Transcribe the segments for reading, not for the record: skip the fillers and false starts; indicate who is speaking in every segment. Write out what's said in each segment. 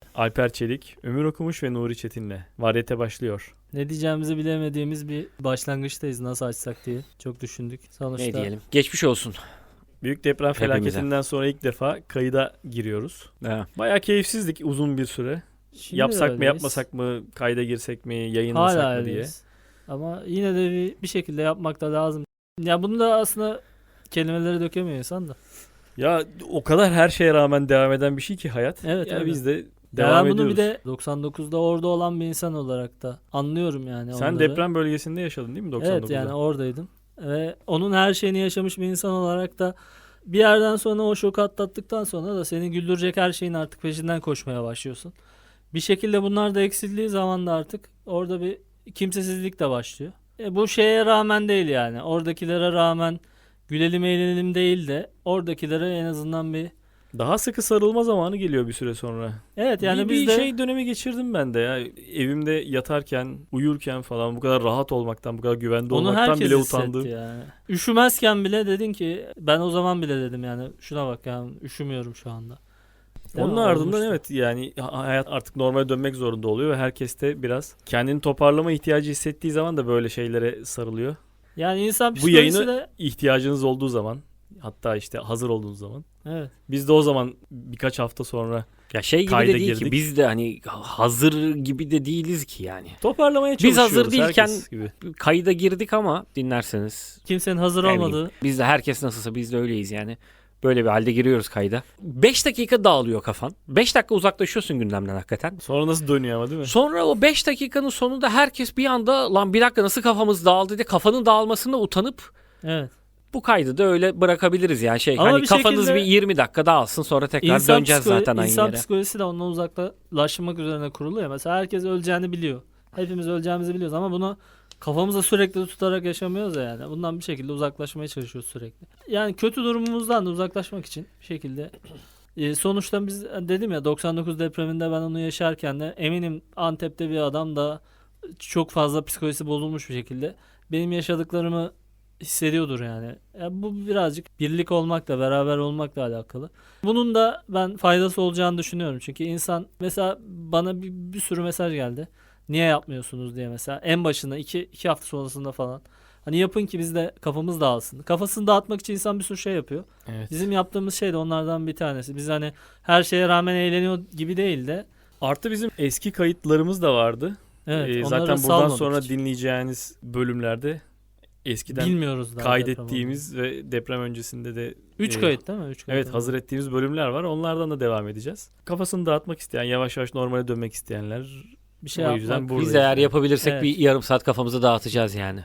Speaker 1: Alper Çelik, Ömür Okumuş ve Nuri Çetin'le Varyete başlıyor.
Speaker 2: Ne diyeceğimizi bilemediğimiz bir başlangıçtayız. Nasıl açsak diye çok düşündük. Sonuçta
Speaker 3: Ne diyelim? Geçmiş olsun.
Speaker 1: Büyük deprem
Speaker 3: Hepimize.
Speaker 1: felaketinden sonra ilk defa kayıda giriyoruz.
Speaker 3: Evet.
Speaker 1: Bayağı keyifsizdik uzun bir süre.
Speaker 2: şimdi
Speaker 1: Yapsak mı
Speaker 2: öyleyiz.
Speaker 1: yapmasak mı, kayda girsek mi, yayınlasak
Speaker 2: Hala
Speaker 1: mı diye.
Speaker 2: öyleyiz. Ama yine de bir şekilde yapmak da lazım. Ya bunu da aslında kelimeleri dökemiyor insan da.
Speaker 1: Ya o kadar her şeye rağmen devam eden bir şey ki hayat.
Speaker 2: Evet,
Speaker 1: ya
Speaker 2: öyle.
Speaker 1: biz de
Speaker 2: Ya
Speaker 1: devam
Speaker 2: ben bunu
Speaker 1: ediyoruz.
Speaker 2: bir de 99'da orada olan bir insan olarak da anlıyorum yani
Speaker 1: Sen
Speaker 2: onları.
Speaker 1: deprem bölgesinde yaşadın değil mi 99'da?
Speaker 2: Evet, yani oradaydım. Ve onun her şeyini yaşamış bir insan olarak da bir yerden sonra o şoku atlattıktan sonra da seni güldürecek her şeyin artık peşinden koşmaya başlıyorsun. Bir şekilde bunlar da eksildiği zaman da artık orada bir kimsesizlik de başlıyor. Bu şeye rağmen değil yani. Oradakilere rağmen gülelim eğlenelim değil de oradakilere en azından bir...
Speaker 1: Daha sıkı sarılma zamanı geliyor bir süre sonra.
Speaker 2: Evet yani
Speaker 1: bir
Speaker 2: biz de...
Speaker 1: şey dönemi geçirdim ben de ya. Evimde yatarken, uyurken falan bu kadar rahat olmaktan, bu kadar güvende
Speaker 2: Onu
Speaker 1: olmaktan
Speaker 2: herkes
Speaker 1: bile
Speaker 2: hissetti
Speaker 1: utandım.
Speaker 2: yani. Üşümezken bile dedin ki ben o zaman bile dedim yani şuna bak yani üşümüyorum şu anda. Değil
Speaker 1: Onun
Speaker 2: mi?
Speaker 1: ardından
Speaker 2: Olmuştu.
Speaker 1: evet yani hayat artık normale dönmek zorunda oluyor ve herkes de biraz kendini toparlama ihtiyacı hissettiği zaman da böyle şeylere sarılıyor.
Speaker 2: Yani insan
Speaker 1: Bu
Speaker 2: psikolojisi
Speaker 1: yayını
Speaker 2: de...
Speaker 1: ihtiyacınız olduğu zaman, hatta işte hazır olduğunuz zaman,
Speaker 2: Evet.
Speaker 1: biz de o zaman birkaç hafta sonra
Speaker 3: Ya şey gibi
Speaker 1: Kayda
Speaker 3: de değil
Speaker 1: girdik.
Speaker 3: ki biz de hani hazır gibi de değiliz ki yani.
Speaker 1: toparlamaya
Speaker 3: Biz
Speaker 1: çalışıyoruz.
Speaker 3: hazır değilken
Speaker 1: herkes gibi.
Speaker 3: Kayda girdik ama dinlerseniz
Speaker 2: Kimsenin hazır
Speaker 3: eminim.
Speaker 2: olmadığı...
Speaker 3: Biz de herkes nasılsa biz de öyleyiz yani. Böyle bir halde giriyoruz kayda. 5 dakika dağılıyor kafan. 5 dakika uzaklaşıyorsun gündemden hakikaten.
Speaker 1: Sonra nasıl dönüyor ama değil mi?
Speaker 3: Sonra o 5 dakikanın sonunda herkes bir anda lan bir dakika nasıl kafamız dağıldı diye kafanın dağılmasına utanıp
Speaker 2: Evet.
Speaker 3: bu kaydı da öyle bırakabiliriz yani şey
Speaker 2: Ama
Speaker 3: hani
Speaker 2: bir
Speaker 3: kafanız
Speaker 2: şekilde
Speaker 3: bir 20 dakika dağılsın sonra tekrar döneceğiz zaten aynı
Speaker 2: İnsan
Speaker 3: yere.
Speaker 2: psikolojisi de ondan uzaklaşmak üzerine kurulu ya. Mesela herkes öleceğini biliyor. Hepimiz öleceğimizi biliyoruz ama bunu kafamıza sürekli tutarak yaşamıyoruz ya yani. Bundan bir şekilde uzaklaşmaya çalışıyoruz sürekli. Yani kötü durumumuzdan da uzaklaşmak için bir şekilde sonuçta biz dedim ya 99 depreminde ben onu yaşarken de eminim Antep'te bir adam da çok fazla psikolojisi bozulmuş bir şekilde benim yaşadıklarımı hissediyordur yani. Bu birazcık birlik olmakla, beraber olmakla alakalı. Bunun da ben faydası olacağını düşünüyorum. Çünkü insan mesela bana bir sürü mesaj geldi. Niye yapmıyorsunuz diye mesela. En başında iki hafta sonrasında falan. Hani yapın ki biz de kafamız dağılsın. Kafasını dağıtmak için insan bir sürü şey yapıyor.
Speaker 1: Evet.
Speaker 2: Bizim yaptığımız şey de onlardan bir tanesi. Biz hani her şeye rağmen eğleniyor gibi değil de.
Speaker 1: Artı bizim eski kayıtlarımız da vardı.
Speaker 2: Evet, onları
Speaker 1: Zaten buradan
Speaker 2: salmadık
Speaker 1: sonra
Speaker 2: hiç.
Speaker 1: dinleyeceğiniz bölümlerde eskiden
Speaker 2: Bilmiyoruz daha
Speaker 1: kaydettiğimiz ve deprem öncesinde de
Speaker 2: 3 kayıt değil mi? 3 kayıt.
Speaker 1: evet hazır ettiğimiz bölümler var. Onlardan da devam edeceğiz. Kafasını dağıtmak isteyen, yavaş yavaş normale dönmek isteyenler
Speaker 2: Bir şey
Speaker 1: o yüzden
Speaker 2: yapmak.
Speaker 1: buradayız.
Speaker 3: Biz de eğer
Speaker 1: yani.
Speaker 3: yapabilirsek
Speaker 2: Evet.
Speaker 3: bir yarım saat kafamızı dağıtacağız yani.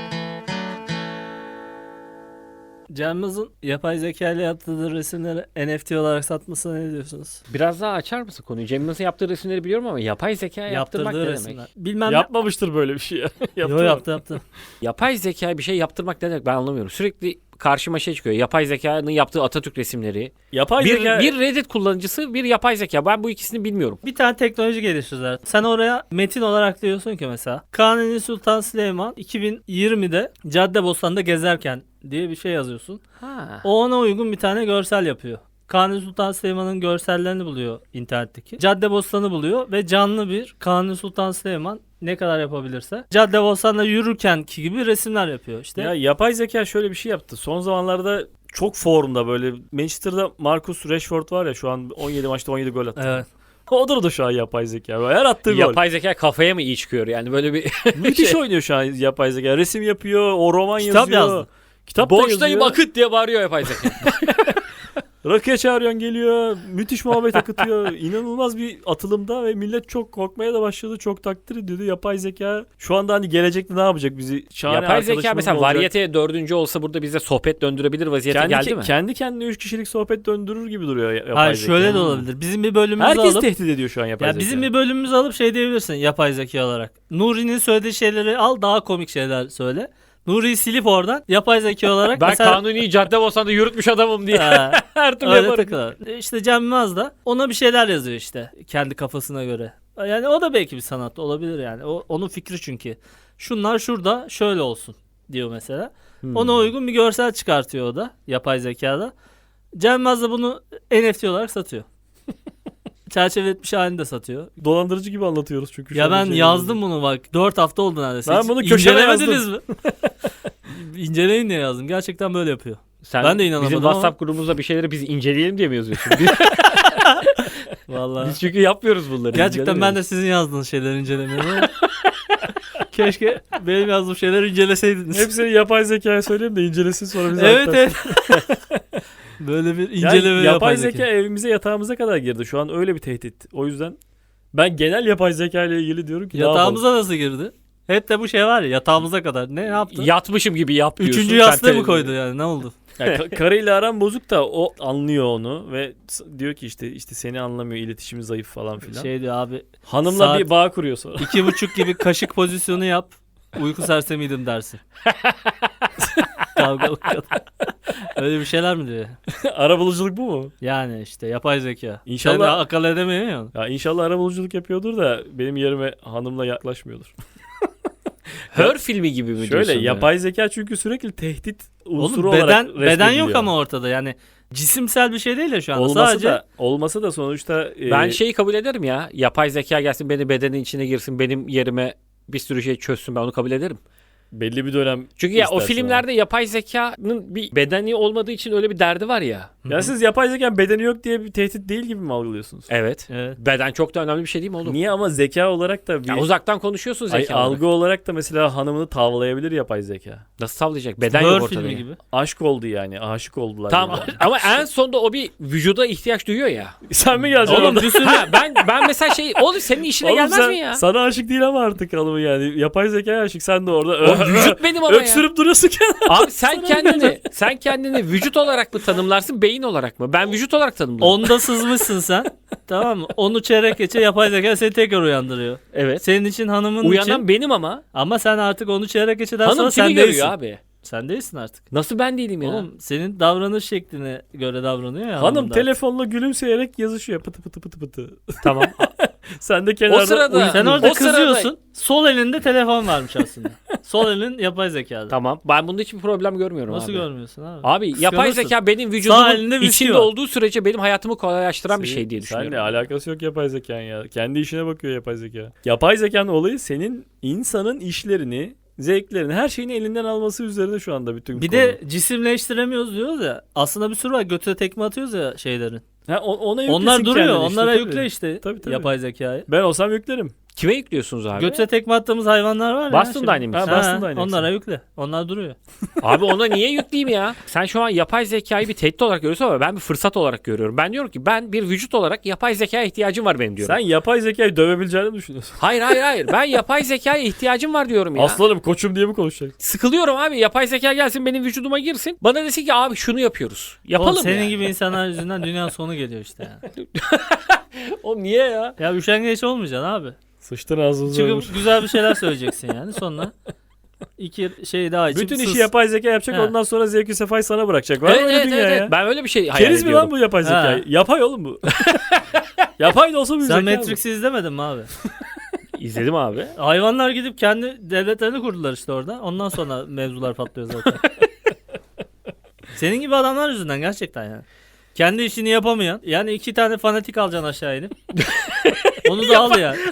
Speaker 2: Cem Yılmaz'ın yapay zeka ile yaptığı resimleri NFT olarak satmasına ne diyorsunuz?
Speaker 3: Biraz daha açar mısın konuyu? Cem Yılmaz'ın yaptığı resimleri biliyorum ama yapay zeka yaptırmak ne
Speaker 2: Yaptırdığı
Speaker 3: demek?
Speaker 2: resimler. Bilmem
Speaker 1: Yapmamıştır böyle bir şey ya.
Speaker 2: Yo,
Speaker 1: Yaptı.
Speaker 2: yaptı.
Speaker 3: Yapay zeka bir şey yaptırmak ne demek ben anlamıyorum. Sürekli karşıma şey çıkıyor. Yapay zekanın yaptığı Atatürk resimleri.
Speaker 1: Yapay
Speaker 3: Bir,
Speaker 1: zeka
Speaker 3: bir Reddit kullanıcısı, bir yapay zeka. Ben bu ikisini bilmiyorum.
Speaker 2: Bir tane teknoloji geliştirdiler. Sen oraya metin olarak diyorsun ki mesela Kanuni Sultan Süleyman 2020'de Caddebostan'da gezerken diye bir şey yazıyorsun.
Speaker 3: Ha.
Speaker 2: O ona uygun bir tane görsel yapıyor. Kanuni Sultan Süleyman'ın görsellerini buluyor internetteki. Caddebostan'ı buluyor ve canlı bir Kanuni Sultan Süleyman ne kadar yapabilirse Caddebostan'da yürürkenki gibi resimler yapıyor işte.
Speaker 1: ya yapay zeka şöyle bir şey yaptı. Son zamanlarda çok forumda böyle Manchester'da Marcus Rashford var ya şu an 17 maçta 17 gol attı.
Speaker 2: Evet.
Speaker 1: Odur da şu an yapay zeka. Her attığı gol.
Speaker 3: Yapay zeka kafaya mı iyi çıkıyor yani böyle bir
Speaker 1: Müthiş oynuyor şu an yapay zeka. Resim yapıyor, o roman
Speaker 2: Kitap
Speaker 1: yazıyor.
Speaker 2: yazdı.
Speaker 1: Kitap da
Speaker 3: boştayım
Speaker 1: yazıyor.
Speaker 3: akıt diye bağırıyor yapay zeka.
Speaker 1: Rakıya çağırıyorsun geliyor. Müthiş muhabbet akıtıyor. İnanılmaz bir atılımda ve millet çok korkmaya da başladı. Çok takdir ediyordu. Yapay zeka şu anda hani gelecekte ne yapacak bizi? Şahane
Speaker 3: Yapay zeka
Speaker 1: arkadaşımız
Speaker 3: mesela
Speaker 1: mı olacak?
Speaker 3: varyeteye 4. olsa burada bize sohbet döndürebilir vaziyete geldi mi?
Speaker 1: Kendi kendine 3 kişilik sohbet döndürür gibi duruyor yapay
Speaker 2: Hayır
Speaker 1: zeka.
Speaker 2: şöyle de olabilir. Bizim bir bölümümüzü
Speaker 1: Herkes
Speaker 2: alıp
Speaker 1: tehdit ediyor şu an yapay
Speaker 2: ya
Speaker 1: zeka.
Speaker 2: bizim bir bölümümüzü alıp şey diyebilirsin yapay zeka olarak. Nuri'nin söylediği şeyleri al daha komik şeyler söyle. Nuri'yi silip oradan yapay zeka olarak
Speaker 3: Ben
Speaker 2: mesela
Speaker 3: Kanuni'yi Caddebostan'da yürütmüş adamım diye her türlü
Speaker 2: öyle
Speaker 3: yaparım.
Speaker 2: takılır. İşte Cem Yılmaz da ona bir şeyler yazıyor işte kendi kafasına göre. Yani o da belki bir sanat olabilir yani. Onun fikri çünkü. Şunlar şurada şöyle olsun diyor mesela. Ona uygun bir görsel çıkartıyor o da yapay zekada. Cem Yılmaz da bunu NFT olarak satıyor. çerçeve etmiş halini de satıyor.
Speaker 1: Dolandırıcı gibi anlatıyoruz çünkü. şu
Speaker 2: Ya
Speaker 1: an
Speaker 2: ben
Speaker 1: şey
Speaker 2: yazdım bunu bak. 4 hafta oldu neredeyse.
Speaker 1: Ben
Speaker 2: Hiç
Speaker 1: bunu köşeme
Speaker 2: incelemediniz mi? İnceleyin diye yazdım. Gerçekten böyle yapıyor.
Speaker 3: Sen
Speaker 2: Ben de inanamadım
Speaker 3: bizim
Speaker 2: ama-
Speaker 3: WhatsApp grubumuzda bir şeyleri biz inceleyelim diye mi yazıyorsun? Biz,
Speaker 2: Vallahi.
Speaker 3: biz çünkü yapmıyoruz bunları.
Speaker 2: Gerçekten ben
Speaker 3: incelemiyoruz.
Speaker 2: de sizin yazdığınız şeyleri incelemiyorum ama keşke benim yazdığım şeyleri inceleseydiniz.
Speaker 1: Hepsini yapay zekaya söyleyeyim de incelesin sonra bize
Speaker 2: Evet
Speaker 1: aktarsın.
Speaker 2: evet. Böyle bir
Speaker 1: Yani
Speaker 2: inceleme
Speaker 1: yapay zeka evimize yatağımıza kadar girdi. Şu an öyle bir tehdit. O yüzden ben genel yapay zeka ile ilgili diyorum ki ne yapalım?
Speaker 2: Yatağımıza nasıl girdi? Hep de bu şey var ya yatağımıza kadar. Ne yaptı?
Speaker 3: Yatmışım gibi yap diyorsun.
Speaker 2: Üçüncü
Speaker 3: sen
Speaker 2: yastığı mı
Speaker 3: televizyon-
Speaker 2: koydu yani ne oldu?
Speaker 1: Yani karıyla aram bozuk da o anlıyor onu ve diyor ki işte seni anlamıyor, iletişimi zayıf falan filan.
Speaker 2: Şey diyor abi
Speaker 1: Hanımla
Speaker 2: saat-
Speaker 1: bir bağ kuruyor sonra.
Speaker 2: 2,5 gibi kaşık pozisyonu yap. Uyku sersemiydim dersin. Kavgalı kadın. Öyle bir şeyler mi diyor?
Speaker 1: Arabuluculuk bu mu?
Speaker 2: Yani işte yapay zeka.
Speaker 1: İnşallah-
Speaker 2: Sen de akıl edemiyorsun ya.
Speaker 1: Ya inşallah arabuluculuk yapıyordur da benim yerime hanımla yaklaşmıyordur.
Speaker 3: Her filmi gibi mi
Speaker 1: Şöyle
Speaker 3: diyorsun?
Speaker 1: yapay zeka çünkü sürekli tehdit unsuru
Speaker 2: Oğlum
Speaker 1: olarak
Speaker 2: beden yok
Speaker 1: resmediliyor.
Speaker 2: ama ortada yani cisimsel bir şey değil ya şu anda.
Speaker 1: Olması
Speaker 2: Sadece
Speaker 1: da olması da sonuçta
Speaker 3: Ben şeyi kabul ederim ya. Yapay zeka gelsin beni bedenin içine girsin benim yerime bir sürü şey çözsün ben onu kabul ederim.
Speaker 1: belli bir dönem
Speaker 3: Çünkü ya o
Speaker 1: istersin
Speaker 3: filmlerde yapay zekanın bir bedeni olmadığı için öyle bir derdi var ya.
Speaker 1: Ya siz yapay zekanın bedeni yok diye bir tehdit değil gibi mi algılıyorsunuz?
Speaker 3: Evet.
Speaker 2: evet.
Speaker 3: Beden çok da önemli bir şey değil mi oğlum?
Speaker 1: Niye ama zeka olarak da bir
Speaker 3: Ya uzaktan konuşuyorsun
Speaker 1: Ay,
Speaker 3: zeka olarak.
Speaker 1: algı olarak da mesela hanımını tavlayabilir yapay zeka.
Speaker 3: Nasıl tavlayacak? Beden
Speaker 2: Her
Speaker 3: yok ortada.
Speaker 2: filmi
Speaker 3: ya.
Speaker 2: gibi.
Speaker 1: Aşk oldu yani. Aşık oldular.
Speaker 3: Tamam
Speaker 1: yani.
Speaker 3: ama en sonunda o bir vücuda ihtiyaç duyuyor ya.
Speaker 1: Sen mi geleceksin?
Speaker 2: Oğlum
Speaker 1: orada?
Speaker 2: bir sürü
Speaker 3: Ha, ben mesela şey oğlum senin işine
Speaker 1: Oğlum
Speaker 3: gelmez
Speaker 1: sen-
Speaker 3: mi ya?
Speaker 1: Sana aşık değil ama artık hanımı yani. Yapay zekaya aşık. Sen de orada
Speaker 3: O vücut benim ama ya.
Speaker 1: öksürüp duruyorsun kenara.
Speaker 3: Abi sen kendini vücut olarak mı tanımlarsın beyin olarak mı? Ben vücut olarak tanımlarım.
Speaker 2: onda sızmışsın sen. Tamam mı? Onu çeyrek geçe yapay zeka seni tekrar uyandırıyor.
Speaker 3: Evet.
Speaker 2: Senin için hanımın
Speaker 3: Uyanan
Speaker 2: için
Speaker 3: benim ama.
Speaker 2: ama sen artık onu çeyrek geçeden
Speaker 3: Hanım
Speaker 2: sonra
Speaker 3: kimi
Speaker 2: sen
Speaker 3: görüyor
Speaker 2: değilsin.
Speaker 3: abi?
Speaker 2: Sen değilsin artık.
Speaker 3: Nasıl ben değilim ya?
Speaker 2: Oğlum senin davranış şekline göre davranıyor ya.
Speaker 1: Hanım
Speaker 2: hanım da.
Speaker 1: telefonla gülümseyerek yazışıyor. Pıtı pıtı pıtı pıtı.
Speaker 3: Tamam.
Speaker 1: Sen de kenarda
Speaker 3: O sırada-
Speaker 2: Sen orada
Speaker 3: O sırada-
Speaker 2: kızıyorsun. Sol elinde telefon varmış aslında. Sol elin yapay zekada.
Speaker 3: Tamam. Ben bunda hiçbir problem görmüyorum
Speaker 2: Nasıl
Speaker 3: abi.
Speaker 2: görmüyorsun abi?
Speaker 3: Abi yapay
Speaker 2: Kıskanırsın.
Speaker 3: zeka benim
Speaker 2: Sağ
Speaker 3: vücudumun
Speaker 2: elinde bir
Speaker 3: içinde
Speaker 2: şey var.
Speaker 3: olduğu sürece benim hayatımı kolaylaştıran bir
Speaker 1: Senin-
Speaker 3: şey diye düşünüyorum.
Speaker 1: Seninle alakası yok yapay zekanın ya. Kendi işine bakıyor yapay zeka. Yapay zekanın olayı senin insanın işlerini, zevklerini, her şeyini elinden alması üzerine şu anda bütün
Speaker 2: Bir
Speaker 1: konu.
Speaker 2: de cisimleştiremiyoruz diyoruz ya. Aslında bir sürü var. Götüne tekme atıyoruz ya şeylerin.
Speaker 1: Ha, ona yüklesin
Speaker 2: Onlar duruyor.
Speaker 1: kendini işte,
Speaker 2: Onlara
Speaker 1: tabii.
Speaker 2: yükle işte
Speaker 1: Tabii.
Speaker 2: yapay zekayı.
Speaker 1: Ben olsam yüklerim.
Speaker 3: Kime yüklüyorsunuz abi?
Speaker 2: Götüne tekme attığımız hayvanlar var ya.
Speaker 3: Boston
Speaker 2: şimdi.
Speaker 3: Dynamics.
Speaker 1: Ha, Boston Dynamics.
Speaker 2: Onlara yükle. Onlar duruyor.
Speaker 3: Abi ona niye yükleyeyim ya? Sen şu an yapay zekayı bir tehdit olarak görüyorsun ama ben bir fırsat olarak görüyorum. Ben diyorum ki ben bir vücut olarak yapay zekaya ihtiyacım var benim diyorum.
Speaker 1: Sen yapay zekayı dövebileceğini mi düşünüyorsun?
Speaker 3: Hayır. Ben yapay zekaya ihtiyacım var diyorum ya.
Speaker 1: Aslanım koçum diye mi konuşacak?
Speaker 3: Sıkılıyorum abi. Yapay zeka gelsin benim vücuduma girsin. Bana desin ki abi şunu yapıyoruz. Yapalım
Speaker 2: Oğlum, senin
Speaker 3: ya.
Speaker 2: gibi insanlar yüzünden dünyanın sonu geliyor işte ya.
Speaker 3: Oğlum niye ya?
Speaker 2: Ya üşengeç olmayacaksın abi.
Speaker 1: Sıçtın ağzınıza ömür.
Speaker 2: Çıkıp güzel bir şeyler söyleyeceksin yani. Sonra iki şey daha içip
Speaker 1: Bütün
Speaker 2: sus.
Speaker 1: işi yapay zeka yapacak
Speaker 2: Ha.
Speaker 1: ondan sonra zevki sefayı sana bırakacak. Var mı öyle dünya ya?
Speaker 3: Ben öyle bir şey hayal
Speaker 1: Keriz mi
Speaker 3: ediyorum.
Speaker 1: lan bu yapay zeka?
Speaker 2: Ha.
Speaker 1: Yapay oğlum bu. Yapay da olsa bir
Speaker 2: Sen
Speaker 1: zeka bu.
Speaker 2: Matrix'i izlemedin mi abi?
Speaker 3: İzledim abi.
Speaker 2: Hayvanlar gidip kendi devletlerini kurdular işte orada. Ondan sonra mevzular patlıyor zaten. Senin gibi adamlar yüzünden gerçekten yani. Kendi işini yapamayan. Yani 2 tane fanatik alacaksın aşağı inip. Onu da al ya.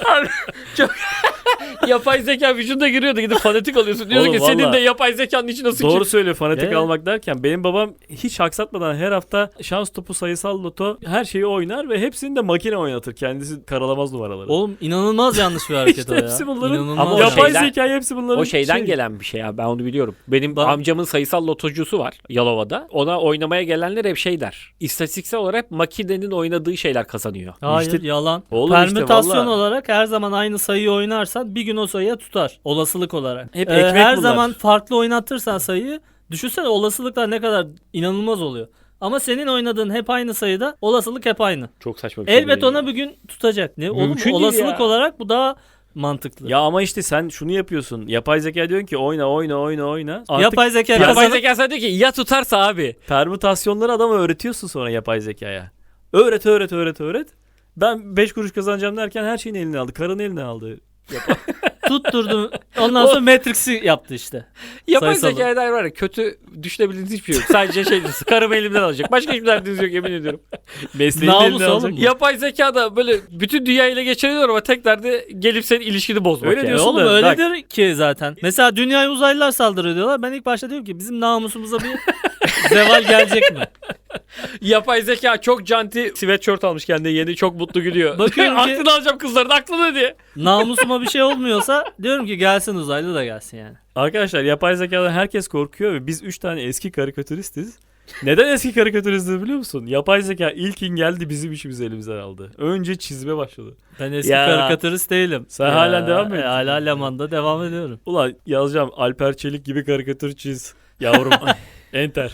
Speaker 3: Yapay zeka vücuduna giriyordu gidip fanatik alıyorsun. Diyorsun
Speaker 1: Oğlum
Speaker 3: ki senin
Speaker 1: valla.
Speaker 3: de yapay zekanın içine sıçayım.
Speaker 1: Doğru söylüyor fanatik
Speaker 2: Evet.
Speaker 1: almak derken benim babam hiç aksatmadan her hafta şans topu, sayısal loto her şeyi oynar ve hepsini de makine oynatır. Kendisi karalamaz numaraları.
Speaker 2: Oğlum inanılmaz yanlış bir hareket
Speaker 1: İşte
Speaker 2: o ya.
Speaker 1: hepsi bunların-
Speaker 2: İnanılmaz
Speaker 3: Ama o
Speaker 2: yanlış.
Speaker 1: yapay
Speaker 3: şeyden-
Speaker 1: zeka hepsi bunların
Speaker 3: O şeyden
Speaker 1: şey.
Speaker 3: gelen bir şey abi ben onu biliyorum. Benim
Speaker 2: Bak-
Speaker 3: amcamın sayısal lotocusu var Yalova'da. Ona oynamaya gelenler hep şey der. İstatistiksel olarak makinenin oynadığı şeyler kazanıyor.
Speaker 2: Hayır
Speaker 1: İşte-
Speaker 2: yalan.
Speaker 1: Oğlum işte
Speaker 2: Permütasyon
Speaker 1: valla.
Speaker 2: olarak her zaman aynı sayıyı oynarsan bir gün o sayıya tutar. Olasılık olarak.
Speaker 1: Hep ekmek
Speaker 2: her
Speaker 1: bunlar.
Speaker 2: zaman farklı oynatırsan sayıyı düşünsene olasılıklar ne kadar inanılmaz oluyor. Ama senin oynadığın hep aynı sayıda olasılık hep aynı.
Speaker 3: Çok saçma bir şey.
Speaker 2: Elbet ona bir gün tutacak. Ne oğlum
Speaker 3: Mümkün değil
Speaker 2: olasılık
Speaker 3: ya.
Speaker 2: olarak bu daha mantıklı.
Speaker 1: Ya ama işte sen şunu yapıyorsun. Yapay zeka diyorsun ki oyna. Artık
Speaker 2: Yapay zeka
Speaker 3: Yapay
Speaker 2: kazanıp
Speaker 3: zeka sana diyor ki ya tutarsa abi.
Speaker 1: permütasyonları adama öğretiyorsun sonra yapay zekaya. Öğret. Ben 5 kuruş kazanacağım derken her şeyini eline aldı. Karını eline aldı.
Speaker 2: Tutturdu. Ondan sonra Matrix'i yaptı işte.
Speaker 3: Yapay
Speaker 2: Sayısal.
Speaker 3: zekaya dair var ya kötü düşünebildiğiniz hiçbir şey yok. Sadece şey karımı elimden alacak. Başka hiçbir derdiniz yok yemin ediyorum.
Speaker 1: Mesleğini
Speaker 2: Namus
Speaker 1: elinden
Speaker 2: oğlum
Speaker 1: alacak.
Speaker 2: bu.
Speaker 3: Yapay zeka da böyle bütün dünyayı ele geçiriyor ama tek derdi gelip senin ilişkini bozmak.
Speaker 1: Öyle
Speaker 3: yani.
Speaker 1: diyorsun
Speaker 2: Oğlum
Speaker 1: da,
Speaker 2: öyledir ki zaten. Mesela dünyaya uzaylılar saldırıyor diyorlar. Ben ilk başta diyorum ki bizim namusumuza bir zeval gelecek mi?
Speaker 3: Yapay zeka çok canti sweatshirt almış kendine yeni çok mutlu gülüyor.
Speaker 2: Bakıyorum ki-
Speaker 3: aklını alacağım kızların aklını diye.
Speaker 2: Namusuma bir şey olmuyorsa diyorum ki gelsin uzaylı da gelsin yani.
Speaker 1: Arkadaşlar yapay zekadan herkes korkuyor ve biz 3 tane eski karikatüristiz. Neden eski karikatüristiz biliyor musun? Yapay zeka ilkin geldi bizim işimizi elimizden aldı. Önce çizime başladı.
Speaker 2: Ben eski
Speaker 1: Ya.
Speaker 2: karikatürist değilim.
Speaker 1: Sen halen devam mı ediyorsun?
Speaker 2: Hala Leman'da devam ediyorum.
Speaker 1: Ulan yazacağım Alper Çelik gibi karikatür çiz yavrum. Enter.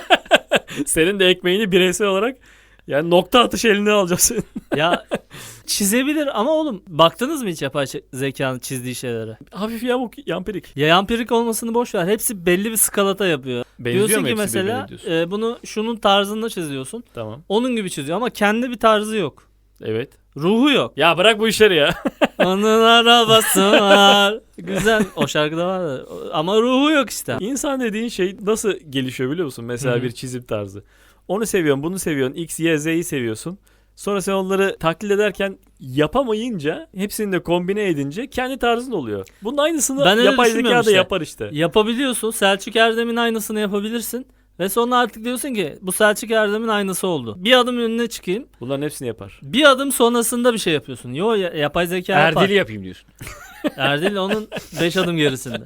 Speaker 1: Senin de ekmeğini bireysel olarak yani nokta atışı eline alacağım senin.
Speaker 2: Ya çizebilir ama oğlum baktınız mı hiç yapay zekanın çizdiği şeylere?
Speaker 1: Hafif yamuk yampirik.
Speaker 2: Ya ampirik olmasını boş ver. Hepsi belli bir skalata yapıyor.
Speaker 1: Benziyor
Speaker 2: Diyorsun
Speaker 1: mu
Speaker 2: ki
Speaker 1: hepsi
Speaker 2: mesela
Speaker 1: birbirine diyorsun?
Speaker 2: bunu şunun tarzında çiziyorsun.
Speaker 1: Tamam.
Speaker 2: Onun gibi çiziyor ama kendi bir tarzı yok.
Speaker 1: Evet.
Speaker 2: Ruhu yok.
Speaker 1: Ya bırak bu işleri ya.
Speaker 2: Onun arabası var. Güzel. O şarkıda var da. Ama ruhu yok işte.
Speaker 1: İnsan dediğin şey nasıl gelişiyor biliyor musun? Mesela
Speaker 2: Hı hı.
Speaker 1: bir çizim tarzı. Onu seviyorsun, bunu seviyorsun. X, Y, Z'yi seviyorsun. Sonra sen onları taklit ederken yapamayınca, hepsini de kombine edince kendi tarzın oluyor. Bunun aynısını
Speaker 2: Ben öyle
Speaker 1: yapay zeka
Speaker 2: düşünmüyorum
Speaker 1: da
Speaker 2: işte.
Speaker 1: yapar işte.
Speaker 2: Yapabiliyorsun. Selçuk Erdem'in aynısını yapabilirsin. Ve sonra artık diyorsun ki bu Selçuk Erdem'in aynısı oldu. Bir adım önüne çıkayım.
Speaker 1: Bunların hepsini yapar.
Speaker 2: Bir adım sonrasında bir şey yapıyorsun. Yo yapay zeka yapar.
Speaker 3: Erdil'i yapayım diyorsun.
Speaker 2: Erdil onun 5 adım gerisinde.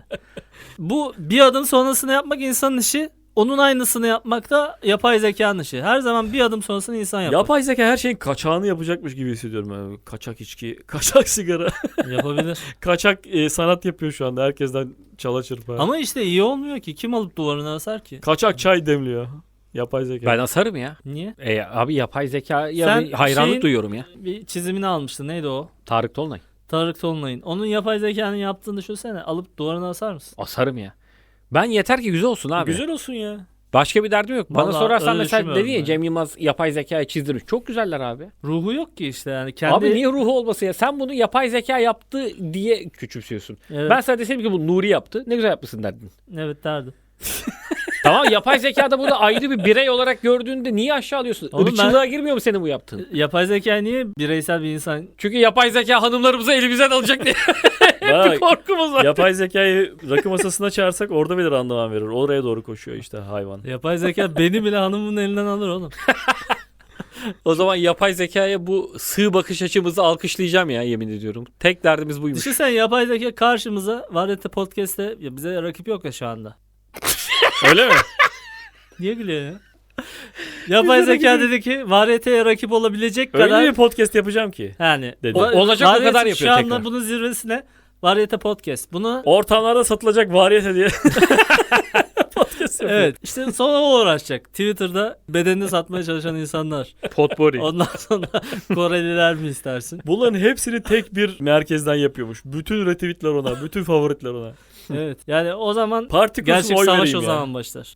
Speaker 2: Bu bir adım sonrasını yapmak insanın işi. Onun aynısını yapmak da yapay zekanın işi. Her zaman bir adım sonrasını insan yapar.
Speaker 1: Yapay zeka her şeyin kaçağını yapacakmış gibi hissediyorum. Yani kaçak içki, kaçak sigara,
Speaker 2: Yapabilir.
Speaker 1: kaçak sanat yapıyor şu anda. Herkesten çala çırpa.
Speaker 2: Ama işte iyi olmuyor ki. Kim alıp duvarına asar ki?
Speaker 1: Kaçak çay demliyor. Yapay zeka.
Speaker 3: Ben asarım ya.
Speaker 2: Niye?
Speaker 3: Abi yapay zekaya
Speaker 2: Sen
Speaker 3: bir hayranlık
Speaker 2: şeyin-
Speaker 3: duyuyorum ya.
Speaker 2: Bir çizimini almıştı. Neydi o?
Speaker 3: Tarık Tolunay.
Speaker 2: Tarık Tolunay'ın. Onun yapay zekanın yaptığını düşünsene. Alıp duvarına asar mısın?
Speaker 3: Asarım ya. Ben yeter ki güzel olsun abi.
Speaker 1: Güzel olsun ya.
Speaker 3: Başka bir derdim yok. Bana
Speaker 2: Vallahi
Speaker 3: sorarsan
Speaker 2: öyle
Speaker 3: mesela
Speaker 2: düşünmüyorum
Speaker 3: dedi ya
Speaker 2: ben.
Speaker 3: Cem Yılmaz yapay zekaya çizdirmiş. Çok güzeller abi.
Speaker 2: Ruhu yok ki işte yani. Kendi...
Speaker 3: Abi niye ruhu olmasın ya? Sen bunu yapay zeka yaptı diye küçümsüyorsun.
Speaker 2: Evet,
Speaker 3: Ben sana desem ki bu Nuri yaptı. Ne güzel yapmışsın derdin.
Speaker 2: evet derdim.
Speaker 3: Tamam yapay zekada bunu ayrı bir birey olarak gördüğünde niye aşağı alıyorsun?
Speaker 2: Oğlum
Speaker 3: Irkçılığa girmiyor mu senin bu yaptığın?
Speaker 2: Yapay zeka niye bireysel bir insan?
Speaker 3: Çünkü yapay zeka hanımlarımızı elimizden alacak diye
Speaker 1: Bak,
Speaker 3: bir korkumuz var.
Speaker 1: yapay zekayı rakı masasına çağırsak orada bile randıman verir. Oraya doğru koşuyor işte hayvan.
Speaker 2: Yapay zeka beni bile hanımın elinden alır oğlum.
Speaker 3: O zaman yapay zekaya bu sığ bakış açımızı alkışlayacağım ya yemin ediyorum. Tek derdimiz buymuş.
Speaker 2: Düşünsene yapay zeka karşımıza Varete Podcast'te ya bize rakip yok ya şu anda.
Speaker 1: Öyle mi?
Speaker 2: Niye gülüyor ya? Yapay zeka dedi ki Varete'ye rakip olabilecek
Speaker 1: Öyle
Speaker 2: kadar
Speaker 1: bir podcast yapacağım ki.
Speaker 2: yani
Speaker 1: Dedi.
Speaker 3: Olacak o
Speaker 2: Varete
Speaker 3: kadar yapıyor
Speaker 2: şu anda
Speaker 3: tekrar.
Speaker 2: bunun zirvesine Varete Podcast. Bunu
Speaker 1: Ortamlarda satılacak variyete diye. podcast yapıyor.
Speaker 2: evet işte sonra o uğraşacak. Twitter'da bedenini satmaya çalışan insanlar.
Speaker 1: Potpourri.
Speaker 2: Ondan sonra Koreliler mi istersin?
Speaker 1: Bunların hepsini tek bir merkezden yapıyormuş. Bütün retweetler ona, bütün favoritler ona.
Speaker 2: Evet. Yani o zaman
Speaker 1: Parti kursun
Speaker 2: gerçek
Speaker 1: oy
Speaker 2: savaş
Speaker 1: vereyim
Speaker 2: o
Speaker 1: ya.
Speaker 2: zaman başlar.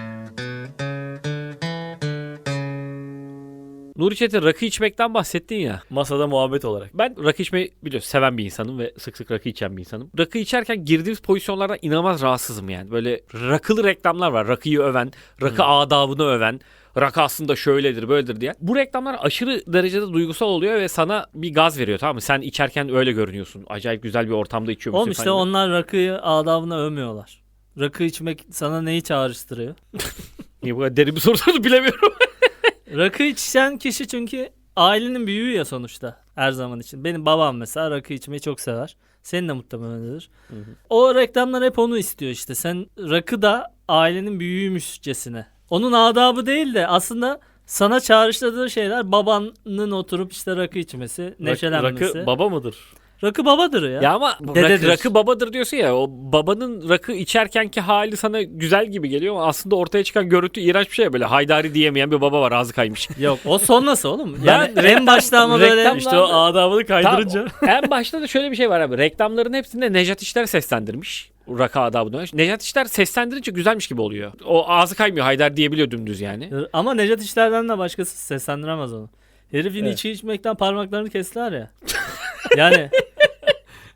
Speaker 3: Nuri Çetin rakı içmekten bahsettin ya.
Speaker 1: Masada muhabbet olarak.
Speaker 3: Ben rakı içmeyi biliyorsun seven bir insanım ve sık sık rakı içen bir insanım. Rakı içerken girdiğimiz pozisyonlardan inanılmaz rahatsızım yani. Böyle rakılı reklamlar var. Rakıyı öven, rakı adabını öven. Rakı aslında şöyledir böyledir diye. Bu reklamlar aşırı derecede duygusal oluyor ve sana bir gaz veriyor tamam mı? Sen içerken öyle görünüyorsun. Acayip güzel bir ortamda içiyormuşsun.
Speaker 2: Oğlum işte
Speaker 3: falan.
Speaker 2: onlar rakıyı adabına övmüyorlar. Rakı içmek sana neyi çağrıştırıyor?
Speaker 3: Niye bu kadar derin bir soru sordu bilemiyorum.
Speaker 2: Rakı içen kişi çünkü ailenin büyüğü ya sonuçta her zaman için. Benim babam mesela rakı içmeyi çok sever. Senin de muhtemelen öyledir.
Speaker 3: Hı hı.
Speaker 2: O reklamlar hep onu istiyor işte. Sen rakı da ailenin büyüğüymüşçesine. Onun adabı değil de aslında sana çağrıştırdığı şeyler babanın oturup işte rakı içmesi, neşelenmesi.
Speaker 1: Rakı baba mıdır?
Speaker 2: Rakı babadır ya.
Speaker 3: Ya ama
Speaker 2: Dededir.
Speaker 3: rakı babadır diyorsun ya. O babanın rakı içerkenki hali sana güzel gibi geliyor ama aslında ortaya çıkan görüntü iğrenç bir şey. Böyle haydari diyemeyen bir baba var ağzı kaymış.
Speaker 2: Yok o sonrası oğlum.
Speaker 3: Ben
Speaker 2: Yani en başta ama böyle
Speaker 3: reklam-
Speaker 1: İşte o adabını kaydırınca.
Speaker 3: En başta da şöyle bir şey var abi. Reklamların hepsinde Nejat İşler seslendirmiş. Rakı adabını. Nejat İşler seslendirince güzelmiş gibi oluyor. O ağzı kaymıyor. Haydar diyebiliyor dümdüz yani.
Speaker 2: ama Nejat İşler'den de başkası seslendiremez onu. Herifin
Speaker 1: Evet.
Speaker 2: içki içmekten parmaklarını kestiler ya. Yani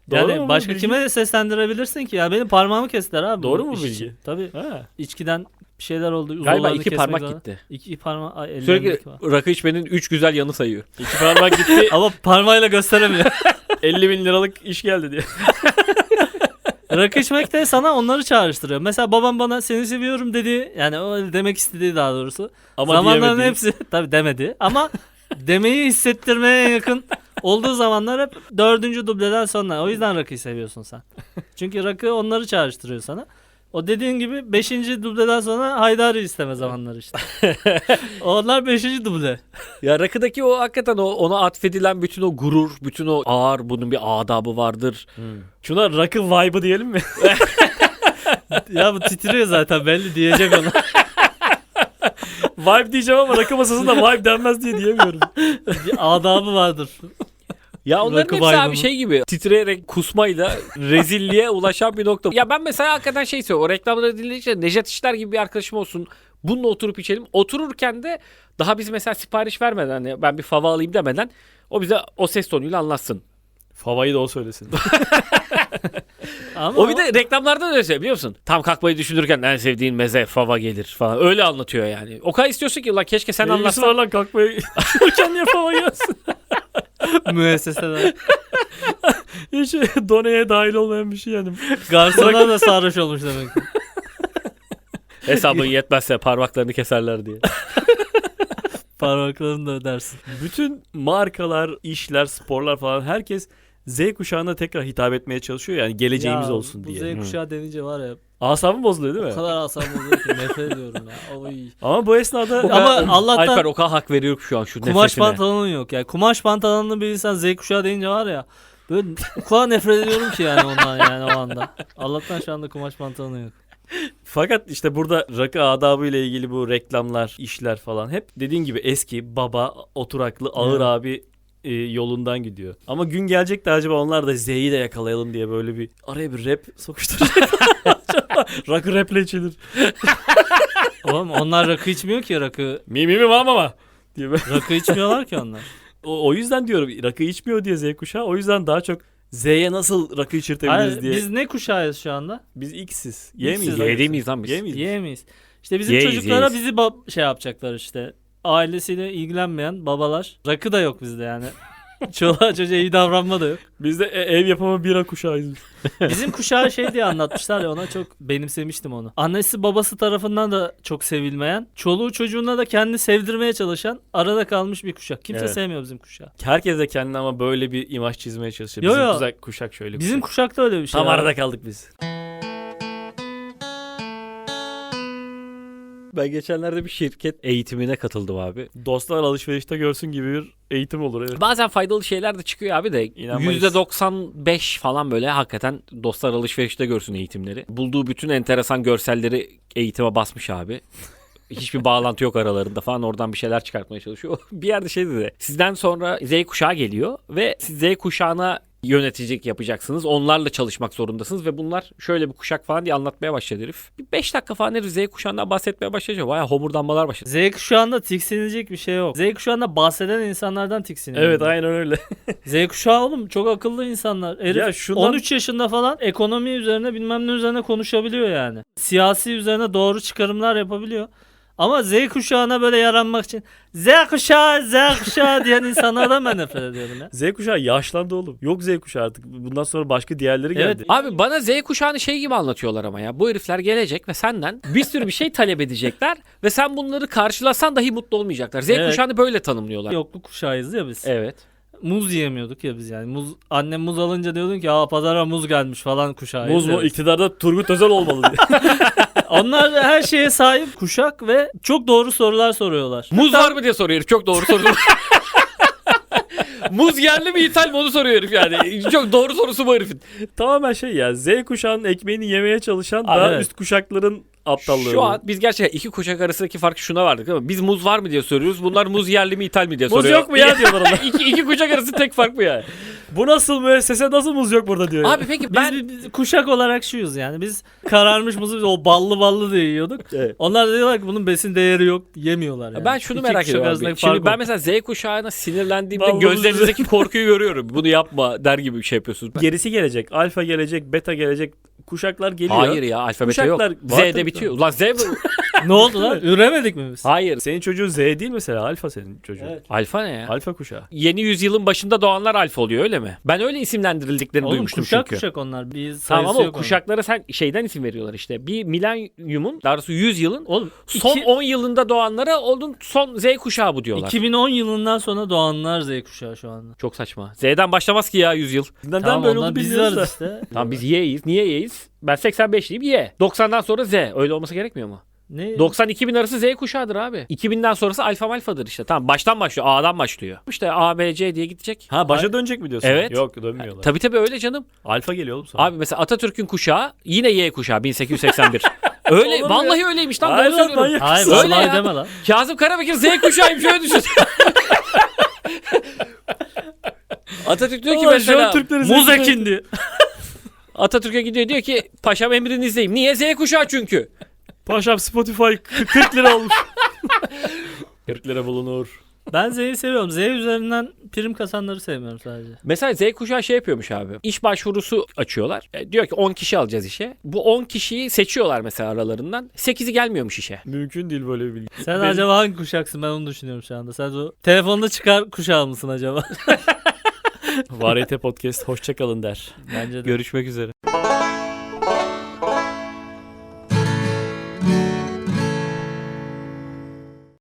Speaker 1: Doğru
Speaker 2: Yani
Speaker 1: mu bu
Speaker 2: başka
Speaker 1: bilgi?
Speaker 2: kime de seslendirebilirsin ki ya? Benim parmağımı kestiler abi.
Speaker 1: Doğru mu
Speaker 2: iş
Speaker 1: bilgi?
Speaker 2: için. Tabii.
Speaker 1: Ha.
Speaker 2: İçkiden bir şeyler oldu.
Speaker 3: Galiba
Speaker 2: uzuvlarını
Speaker 3: 2
Speaker 2: kesmek
Speaker 3: parmak
Speaker 2: zorunda.
Speaker 3: gitti.
Speaker 2: 2 parmak. Ay,
Speaker 3: Sürekli
Speaker 2: ellerindeki var.
Speaker 3: rakı içmenin 3 güzel yanı sayıyor.
Speaker 1: 2 parmak gitti.
Speaker 2: Ama parmağıyla gösteremiyor.
Speaker 1: 50 bin liralık iş geldi diye.
Speaker 2: Rakı içmek de sana onları çağrıştırıyor. Mesela babam bana seni seviyorum dedi. Yani o demek istediği daha doğrusu.
Speaker 1: Ama
Speaker 2: Zamanların
Speaker 1: diyemediği.
Speaker 2: hepsi tabii demedi. Ama demeyi hissettirmeye yakın olduğu zamanlar hep 4. dubleden sonra. O yüzden rakıyı seviyorsun sen. Çünkü rakı onları çağrıştırıyor sana. O dediğin gibi 5. dubleden sonra Haydar'ı isteme zamanları işte. Onlar 5. duble.
Speaker 3: Ya rakıdaki o hakikaten ona atfedilen bütün o gurur, bütün o ağır, bunun bir adabı vardır.
Speaker 1: Şuna rakı vibe'ı diyelim mi?
Speaker 2: Ya bu titriyor zaten belli diyecek onu.
Speaker 1: Vibe diyeceğim ama rakı masasında vibe denmez diye diyemiyorum.
Speaker 2: Bir adabı vardır.
Speaker 3: Ya onların
Speaker 2: Rakı
Speaker 3: hepsi abi
Speaker 2: vibe'ını.
Speaker 3: şey gibi titreyerek kusmayla rezilliğe ulaşan bir nokta. Ya ben mesela hakikaten şey istiyorum. O reklamları dinleyince Nejat İşler gibi bir arkadaşım olsun. Bununla oturup içelim. Otururken de daha biz mesela sipariş vermeden hani ben bir fava alayım demeden o bize o ses tonuyla anlatsın.
Speaker 1: Favayı da o söylesin.
Speaker 2: Ama
Speaker 3: O bir de reklamlarda da öyle şey biliyor musun? Tam kalkmayı düşünürken en sevdiğin meze fava gelir falan. Öyle anlatıyor yani. O kadar istiyorsun ki ulan keşke sen
Speaker 1: Ne ilgisi
Speaker 3: anlatsan.
Speaker 1: var lan kalkmayı. Düşünürken niye fava gelsin?
Speaker 2: müesseseler.
Speaker 1: Hiç doneye dahil olmayan bir şey yani.
Speaker 2: Garsonlar da sarhoş olmuş demek ki.
Speaker 3: Hesabın yetmezse parmaklarını keserler diye.
Speaker 2: Parmaklarını da ödersin.
Speaker 1: Bütün markalar, işler, sporlar falan herkes Z kuşağına tekrar hitap etmeye çalışıyor yani geleceğimiz
Speaker 2: Ya,
Speaker 1: olsun diye.
Speaker 2: Bu Z kuşağı denince var ya
Speaker 1: Asabım bozuluyor değil
Speaker 2: o
Speaker 1: mi?
Speaker 2: kadar asabım oluyor ki nefret ediyorum ya. Oy.
Speaker 1: Ama bu esnada
Speaker 2: Ama Allah'tan
Speaker 3: Alper o kadar hak veriyorum şu an şu
Speaker 2: kumaş
Speaker 3: nefretine.
Speaker 2: pantolonun yok ya. Kumaş pantolonlu bir insan Z kuşağı deyince var ya. Böyle o kadar nefret ediyorum ki yani ondan yani o anda. Allah'tan şu anda kumaş pantolonu yok.
Speaker 1: fakat işte burada rakı adabı ile ilgili bu reklamlar, işler falan hep dediğin gibi eski baba, oturaklı, ağır
Speaker 2: Evet.
Speaker 1: abi yolundan gidiyor. Ama gün gelecek de acaba onlar da Z'yi de yakalayalım diye böyle bir araya bir rap sokuşturacak. Rakı raple içilir.
Speaker 2: Oğlum onlar rakı içmiyor ki rakı.
Speaker 1: Mi mama diye böyle.
Speaker 2: Rakı içmiyorlar ki onlar.
Speaker 1: O yüzden diyorum rakı içmiyor diye Z kuşağı. O yüzden daha çok Z'ye nasıl rakı içirtebiliriz
Speaker 2: Hayır,
Speaker 1: diye.
Speaker 2: biz ne kuşağıyız şu anda?
Speaker 1: Biz X'siz.
Speaker 2: X'siz.
Speaker 3: Y değil miyiz lan biz?
Speaker 1: Y miyiz?
Speaker 2: Yiyemeyiz. İşte bizim
Speaker 3: Yeyiz,
Speaker 2: çocuklara
Speaker 3: yeyiz.
Speaker 2: bizi şey yapacaklar işte. Ailesiyle ilgilenmeyen babalar. Rakı da yok bizde yani. Çoluğa çocuğa iyi davranma da yok.
Speaker 1: Biz de ev yapımı bira kuşağıyız.
Speaker 2: Bizim kuşağı şey diye anlatmışlar ya ona çok benimsemiştim onu. Annesi babası tarafından da çok sevilmeyen, çoluğu çocuğuna da kendini sevdirmeye çalışan arada kalmış bir kuşak. Kimse
Speaker 1: Evet.
Speaker 2: sevmiyor bizim kuşağı.
Speaker 1: Herkes de kendine ama böyle bir imaj çizmeye çalışıyor.
Speaker 2: Yo,
Speaker 1: Bizim
Speaker 2: yo.
Speaker 1: kuşak şöyle.
Speaker 2: Bizim
Speaker 1: kuşak.
Speaker 2: kuşakta öyle bir şey.
Speaker 1: Tam
Speaker 2: var.
Speaker 1: arada kaldık biz.
Speaker 3: Ben geçenlerde bir şirket eğitimine katıldım abi.
Speaker 1: Dostlar alışverişte görsün gibi bir eğitim olur. Evet.
Speaker 3: Bazen faydalı şeyler de çıkıyor abi de
Speaker 1: İnanmayız.
Speaker 3: %95 falan böyle hakikaten dostlar alışverişte görsün eğitimleri. Bulduğu bütün enteresan görselleri eğitime basmış abi. Hiçbir bağlantı yok aralarında falan oradan bir şeyler çıkartmaya çalışıyor. Bir yerde şey dedi. Sizden sonra Z kuşağı geliyor ve siz Z kuşağına yöneticilik yapacaksınız. Onlarla çalışmak zorundasınız ve bunlar şöyle bir kuşak falan diye anlatmaya başladı herif. Bir 5 dakika falan herif Z kuşağından bahsetmeye başlayınca bayağı homurdanmalar başladı.
Speaker 2: Z kuşağında tiksinilecek bir şey yok. Z kuşağında bahseden insanlardan tiksiniyor.
Speaker 1: Evet aynen öyle.
Speaker 2: Z kuşağı oğlum çok akıllı insanlar. Herif
Speaker 1: Ya şundan-
Speaker 2: 13 yaşında falan ekonomi üzerine bilmem ne üzerine konuşabiliyor yani. Siyasi üzerine doğru çıkarımlar yapabiliyor. Ama Z kuşağına böyle yaranmak için Z kuşağı diyen insanlardan ben nefret ediyorum ya.
Speaker 1: Z kuşağı yaşlandı oğlum. Yok Z kuşağı artık. Bundan sonra başka diğerleri
Speaker 2: Evet.
Speaker 1: geldi.
Speaker 3: Abi bana Z kuşağını şey gibi anlatıyorlar ama ya. Bu herifler gelecek ve senden bir sürü bir şey talep edecekler ve sen bunları karşılasan dahi mutlu olmayacaklar. Z
Speaker 2: Evet.
Speaker 3: kuşağını böyle tanımlıyorlar.
Speaker 2: Yokluk kuşağıyız ya biz.
Speaker 3: Evet.
Speaker 2: Muz yiyemiyorduk ya biz yani. Annem muz alınca diyordun ki pazara muz gelmiş falan kuşağıyız.
Speaker 1: Muz mu?
Speaker 2: ya biz.
Speaker 1: İktidarda Turgut Özel olmalı diye.
Speaker 2: Onlar da her şeye sahip kuşak ve çok doğru sorular soruyorlar.
Speaker 3: Muz var mı diye soruyor herif. Çok doğru soru. Muz yerli mi ithal mi onu soruyor herif yani. Çok doğru sorusu bu herifin.
Speaker 1: Tamamen şey ya Z kuşağının ekmeğini yemeye çalışan
Speaker 2: Abi
Speaker 1: daha
Speaker 2: evet.
Speaker 1: üst kuşakların aptallığı.
Speaker 3: Şu an biz gerçekten iki kuşak arasındaki farkı şuna vardık ama biz muz var mı diye soruyoruz. Bunlar muz yerli mi ithal mi diye
Speaker 1: Muz
Speaker 3: soruyor.
Speaker 1: yok mu ya diyorlar ona.
Speaker 3: iki kuşak arası tek fark bu yani.
Speaker 1: Bu nasıl müessese, nasıl muz yok burada diyor.
Speaker 3: Abi peki ben
Speaker 2: Biz kuşak olarak şuyuz yani. Biz kararmış muzu biz o ballı diye yiyorduk.
Speaker 1: Evet.
Speaker 2: Onlar da diyorlar ki bunun besin değeri yok. Yemiyorlar yani.
Speaker 3: ben şunu
Speaker 2: İki
Speaker 3: merak
Speaker 2: kuşak
Speaker 3: ediyorum
Speaker 2: arasındaki
Speaker 3: abi. Şimdi
Speaker 2: fark
Speaker 3: ben
Speaker 2: o.
Speaker 3: mesela Z kuşağına sinirlendiğimde
Speaker 1: Vallahi
Speaker 3: gözlerinizdeki korkuyu görüyorum. Bunu yapma der gibi bir şey yapıyorsunuz.
Speaker 1: Gerisi gelecek. Alfa gelecek, beta gelecek. Kuşaklar geliyor.
Speaker 3: Hayır ya alfabete yok.
Speaker 1: Kuşaklar var
Speaker 3: Z'de
Speaker 1: tabii.
Speaker 3: bitiyor. Ulan Z mi?
Speaker 2: Ne oldu lan? Üremedik mi biz?
Speaker 3: Hayır.
Speaker 1: Senin çocuğun Z değil mesela. Alfa senin çocuğun.
Speaker 2: Evet.
Speaker 3: Alfa ne ya?
Speaker 1: Alfa kuşağı.
Speaker 3: Yeni yüzyılın başında doğanlar alfa oluyor öyle mi? Ben öyle isimlendirildiklerini
Speaker 2: Oğlum
Speaker 3: duymuştum
Speaker 2: kuşak
Speaker 3: çünkü.
Speaker 2: kuşak onlar. Biz
Speaker 3: Tamam
Speaker 2: sayısı
Speaker 3: ama o
Speaker 2: yok onun.
Speaker 3: kuşaklara sen şeyden isim veriyorlar işte. Bir milenyumun, daha doğrusu 100 yılın
Speaker 2: Oğlum
Speaker 3: son 10 yılında doğanlara onun son Z kuşağı bu diyorlar.
Speaker 2: 2010 yılından sonra doğanlar Z kuşağı şu anda.
Speaker 3: Çok saçma. Z'den başlamaz ki ya 100 yıl.
Speaker 1: Neden
Speaker 2: Tamam
Speaker 1: böyle
Speaker 2: onlar
Speaker 1: oldu
Speaker 2: biz
Speaker 1: bilmiyoruz da.
Speaker 2: varız işte.
Speaker 3: Tamam biz Y'yiz. Niye Y'yiz? Ben 85'liyim Y. 90'dan sonra Z. Öyle olması gerekmiyor mu?
Speaker 2: Ne?
Speaker 3: 90-2000 arası Z kuşağıdır abi. 2000'den sonrası alfa malfadır işte. Tamam baştan başlıyor. A'dan başlıyor. İşte A, B, C diye gidecek.
Speaker 1: Ha başa dönecek mi diyorsun?
Speaker 3: Evet.
Speaker 1: Yok dönmüyorlar.
Speaker 3: Tabii öyle canım.
Speaker 1: Alfa geliyor oğlum sonra.
Speaker 3: Abi mesela Atatürk'ün kuşağı yine Y kuşağı 1881. Öyle
Speaker 1: Olur mu
Speaker 3: vallahi
Speaker 1: ya?
Speaker 3: öyleymiş lan.
Speaker 1: Hayır
Speaker 3: Doğru
Speaker 1: lan,
Speaker 3: söylüyorum.
Speaker 1: manyak.
Speaker 2: Hayır
Speaker 3: Öyle
Speaker 2: vallahi
Speaker 3: ya.
Speaker 2: deme lan.
Speaker 3: Kazım Karabekir Z kuşağıymış öyle düşün. Atatürk diyor ki
Speaker 1: Ulan
Speaker 3: mesela
Speaker 1: şu an Türkleri Z
Speaker 2: Muz
Speaker 1: kuşağı-
Speaker 2: ekindi.
Speaker 3: Atatürk'e gidiyor diyor ki paşam emrinizdeyim. Niye Z kuşağı çünkü?
Speaker 1: Paşam Spotify 40 lira olmuş. 40 lira bulunur.
Speaker 2: Ben Z'yi seviyorum. Z üzerinden prim kasanları sevmiyorum sadece.
Speaker 3: Mesela Z kuşağı şey yapıyormuş abi. İş başvurusu açıyorlar. Diyor ki 10 kişi alacağız işe. Bu 10 kişiyi seçiyorlar mesela aralarından. 8'i gelmiyormuş işe.
Speaker 1: Mümkün değil böyle bir bilgi.
Speaker 2: Sen
Speaker 1: Benim-
Speaker 2: acaba hangi kuşaksın? Ben onu düşünüyorum şu anda. Sen o telefonda çıkar kuşağı mısın acaba?
Speaker 1: Variyete Podcast hoşçakalın der.
Speaker 2: Bence de.
Speaker 3: Görüşmek üzere.